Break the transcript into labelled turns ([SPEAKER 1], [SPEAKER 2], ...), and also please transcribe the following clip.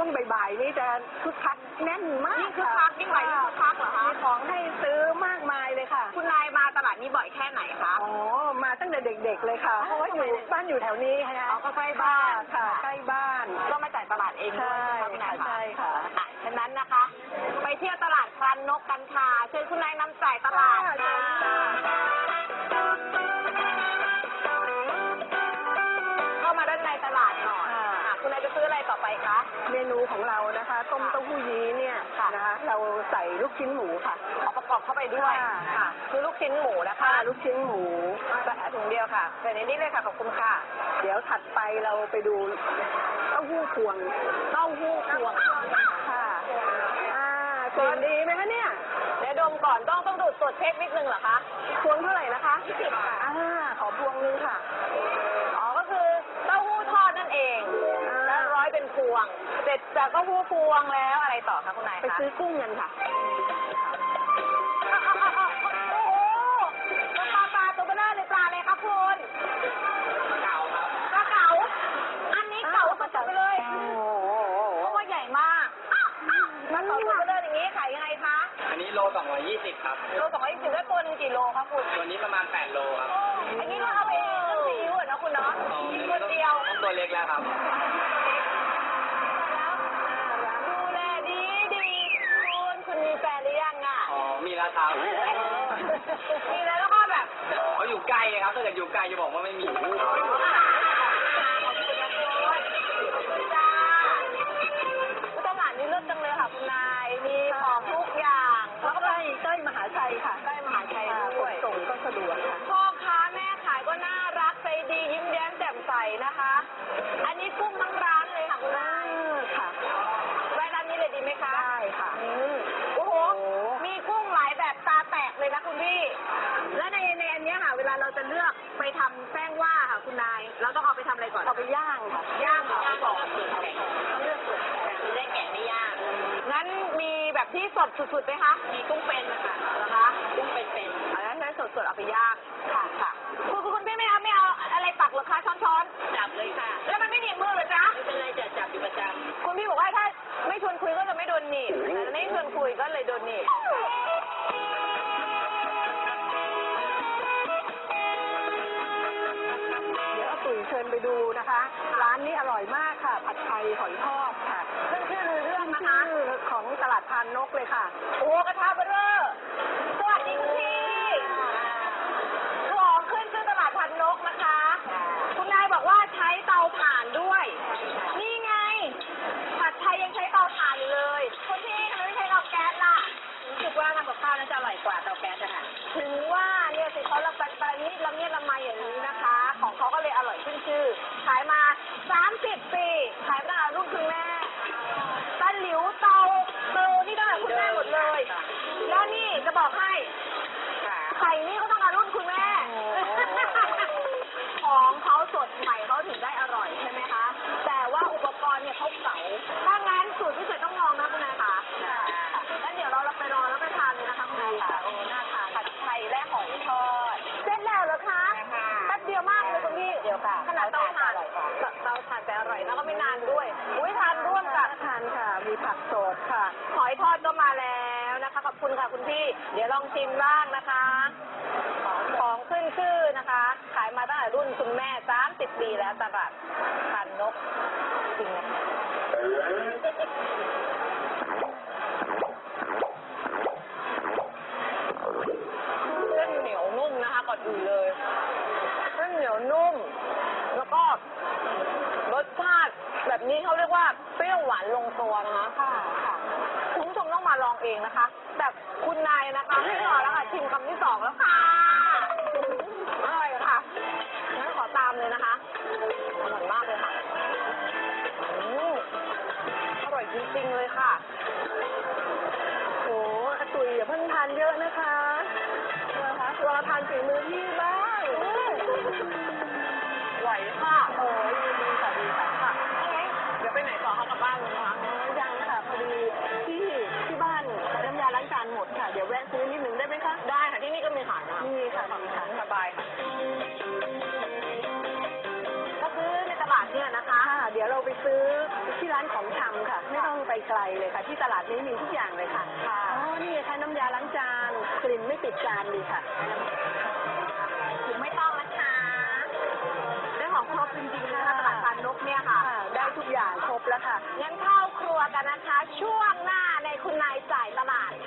[SPEAKER 1] วงบ่ายๆนี่จะคึกคักแน่นมาก
[SPEAKER 2] ยิ่งคึกคักยิ่งไหลยิ่งคึกคักเหรอคะ
[SPEAKER 1] มีของให้ซื้อมากมายเลยค่ะ
[SPEAKER 2] คุณนายมาตลาดนี้บ่อยแค่ไหนคะ
[SPEAKER 1] อ๋อมาตั้งแต่เด็กๆเลยค่ะเพราะว่าอยู่บ้านอยู่แถวนี้ค่ะ
[SPEAKER 2] ก็ใกล้บ้าน
[SPEAKER 1] ค่ะใกล้บ้าน
[SPEAKER 2] ก็มาจ่ายตลาดเองด้วย
[SPEAKER 1] ใช่
[SPEAKER 2] คุณนา
[SPEAKER 1] ค่ะ
[SPEAKER 2] ย
[SPEAKER 1] ใช่ค่ะ
[SPEAKER 2] ฉะนั้นนะคะ ไปเที่ยวตลาดพรานนกกันค่ะเชิญคุณนายนำจ่ายตลาดค่ะเข้ามาด้านในตลาดหน่อยคุณนายจะซื้ออะไรต่อไปคะ
[SPEAKER 1] เมนูของเรานะคะต้มเต้าหู้ยี้เนี่ยนะคะเราใส่ลูกชิ้นหมูค่ะ
[SPEAKER 2] เอาประกอบเข้าไปด้วยค่ะคือลูกชิ้นหมูนะคะ
[SPEAKER 1] ลูกชิ้นหมู
[SPEAKER 2] ถุงเดียวค่ะใส่ในนี้เลยค่ะขอบคุณค่ะ
[SPEAKER 1] เดี๋ยวถัดไปเราไปดูเต้าหู้พวง
[SPEAKER 2] เต้าหู้พวง
[SPEAKER 1] ค่ะกลิ่นดีไหมคะเนี่ย
[SPEAKER 2] เดี๋ยวดมก่อนต้องดูดตรวจเช็คนิดนึงเหรอคะ
[SPEAKER 1] พวงเท่าไหร่นะคะ
[SPEAKER 2] 20ค่ะ
[SPEAKER 1] ขอพวงนึงค่ะ
[SPEAKER 2] อ๋อก็คือเต้าหู้ทอดนั่นเองแล้วร้อยเป็นพวงเสร็จจากเต้าหู้พวงแล้วอะไรต่อคะคุณนายคะ
[SPEAKER 1] ไปซื้อกุ้งกันค่ะ
[SPEAKER 2] โอ้โหปลาตัวเบลอเลยปลาเลยครับคุณเก๋าครับปลาเก๋าอันนี้เก๋าสุดๆไปเลยเพราะว่าใหญ่มากมันตัวเบลออย่างนี้ขายยังไงคะ
[SPEAKER 3] อันนี้โล220ครับ
[SPEAKER 2] โล220ได้ตัวนึงกี่โลคะคุณ
[SPEAKER 3] ตัวนี้ประมาณ8โลครับ
[SPEAKER 2] อันนี้เราเอาไปนึ่งซีอิ๊วนะคุณเนาะกินคนเดียว
[SPEAKER 3] ต้องตัวเล็กแล้วครับ
[SPEAKER 2] ดูแลดีคุณมีแฟนหรือยังอ่ะ
[SPEAKER 3] อ๋อ มีแล้วครับ
[SPEAKER 2] มีแล้วก็แบบ
[SPEAKER 3] เขาอยู่ใกล้ครับถ้าเกิดอยู่ไกลจะบอกว่าไม่มี
[SPEAKER 2] ตลาดนี้เลิศจังเลยค่ะคุณนายมีของทุกอย่างแล้วก็
[SPEAKER 1] ใกล้มหาชัยค่ะ
[SPEAKER 2] ใกล้มหาชัยด้วย
[SPEAKER 1] ส่งก็สะดวกค่ะ
[SPEAKER 2] พ่อค้าแม่ขายก็น่ารักใจดียิ้มแย้มแจ่มใสนะคะ อันนี้กุ้งทั้งร้านเลยค่ะคุณนาย
[SPEAKER 1] ค่ะ
[SPEAKER 2] แวะร้านนี้เลยดีไหมคะ
[SPEAKER 1] ได้ค่ะ
[SPEAKER 2] โอ้โห มีกุ้งหลายแบบตาแตกเลยนะคุณพี่ และในอันเนี้ยค่ะ เวลาเราจะเลือกไปทำแป้งว่าค่ะคุณนาย เราต้องเอาไปทำอะไรก่อน
[SPEAKER 1] เอาไปย่างค่ะ
[SPEAKER 2] ย่างก่อนเลือกส่วนได้แกะไม่ย่าง งั้นมีแบบที่สดสุดๆไหมคะ มีกุ้งเป็นค่ะเหรอคะ กุ้งเป็นอันนั้นสดๆเอาไปย่าง ค่ะคุณพี่ไม่เอาอะไรตักเหรอคะช้อนจับเลยค่ะ แล้วมันไม่หนีบมือเหรอจ๊ะ ไม่เป็นไรจะจับอยู่ประจำคุณพี่บอกว่าถ้าไม่ชวนคุยก็จะไม่โดนหนีบแต่ไม่ชวนคุยก็เลยโดนหนีบ
[SPEAKER 1] เดี๋ยวอาตุ๋ยเชิญไปดูนะคะ ร้านนี้อร่อยมากค่ะ ผัดไทยหอยทอดค่ะ
[SPEAKER 2] ขึ้นชื่อลือเรื่องนะคะ
[SPEAKER 1] ชื่อของตลาดพานนกเลยค่ะ
[SPEAKER 2] โอ้กระทะเบอร์เรอร์สวัสดีคุณพี่ของขึ้นชื่อตลาดพันนกนะคะ คุณนายบอกว่าใช้เตาถ่านด้วย นี่ไง ผัดไทยยังใช้เตาถ่านอยู่เลยคุณพี่ทำไมไม่ใช้เตาแก๊สล่ะรู้สึกว่าทำกับข้าวน่าจะอร่อยกว่าเตาแก๊สนะคะถึงว่าเนี่ยสิเขาละนิดละเมียดละไมอย่างนี้นะคะ ของเขาก็เลยอร่อยขึ้นชื่อ ขายมา30 ปี ขายตั้งแต่รุ่นคุณแม่ตะหลิวเตานี่ตั้งแต่คุณแม่หมดเลย แล้วนี่จะบอกให้ไข่นี่ก็ต้องมารุ่นคุณแม่ ของเขาสดใหม่เขาถึงได้อร่อยใช่ไหมคะ แต่ว่าอุปกรณ์เนี่ยเขาเก่า ถ้างั้นสูตรพิเศษต้องลองนะคุณนายค่ะแล้วเดี๋ยวเราไปรอแล้วไปทานเลยนะคะคุณนายค่ะโอ้น่าทานผัดไทยและหอยทอดเสร็จแล้วเหรอคะแป๊บเดียวมากเลยคุณพี่เดี๋ยวค่ะขนาดเตาถ่านแต่อร่อยแล้วก็ไม่นานด้วยอุ้ยทานร่วมกับ
[SPEAKER 1] ทานค่ะ มีผักสดค่ะ
[SPEAKER 2] หอยทอดก็มาแล้วนะคะขอบคุณค่ะคุณพี่ เดี๋ยวลองชิมบ้างนะคะ ของขึ้นชื่อนะคะ ขายมาตั้งแต่รุ่นคุณแม่30 ปีแล้วตลาดพันนกจริงนะเส้นเหนียวนุ่มนะคะก่อนอื่นเลยเส้นเหนียวนุ่ม แล้วก็รสชาติแบบนี้เขาเรียกว่าเปรี้ยวหวานลงตัวนะคะค่ะคุณผู้ชมต้องมาลองเองนะคะแต่คุณนายนะคะไม่รอแล้วค่ะชิมคำที่2แล้วค่ะอร่อยค่ะงั้นขอตามเลยนะคะอร่อยมากเลยค่ะอร่อยจริงๆเลยค่ะ
[SPEAKER 1] โอ้อาตุ๋ยอย่าเพิ่งทานเยอะนะคะรอทานฝีมือพี่บ้าง
[SPEAKER 2] ไหวค่ะ
[SPEAKER 1] โอ้ยดีค่ะดีค่ะ
[SPEAKER 2] ค่ะเดี๋ยวไปไหนต่อคะกลับบ้านเลยนะคะ
[SPEAKER 1] ยังค่ะพอดีที่บ้านน้ำยาล้างจานหมดค่ะ เดี๋ยวแวะซื้อนิดนึงได้ไหมคะ
[SPEAKER 2] ได้ค่ะที่นี่ก็มีขายนะ
[SPEAKER 1] มีค่ะมีค่ะ
[SPEAKER 2] สบายค่ะก็ซื้อในตลาดเนี่ยนะคะ
[SPEAKER 1] เดี๋ยวเราไปซื้อที่ร้านของชำค่ะ ไม่ต้องไปไกลเลยค่ะ ที่ตลาดนี้มีทุกอย่างเลยค่ะ
[SPEAKER 2] ค่ะ
[SPEAKER 1] อ๋อ นี่ค่ะน้ำยาล้างจาน กลิ่นไม่ติดจานดีค่ะ
[SPEAKER 2] ถุงไม่ต้องนะคะได้ของครบจริงๆนะคะตลาดพานนกเนี่ยค่ะ
[SPEAKER 1] ค่ะ ได้ทุกอย่างครบแล้วค่ะ
[SPEAKER 2] งั้นเข้าครัวกันนะคะ ช่วงหน้าในคุณนายจ่ายตลาด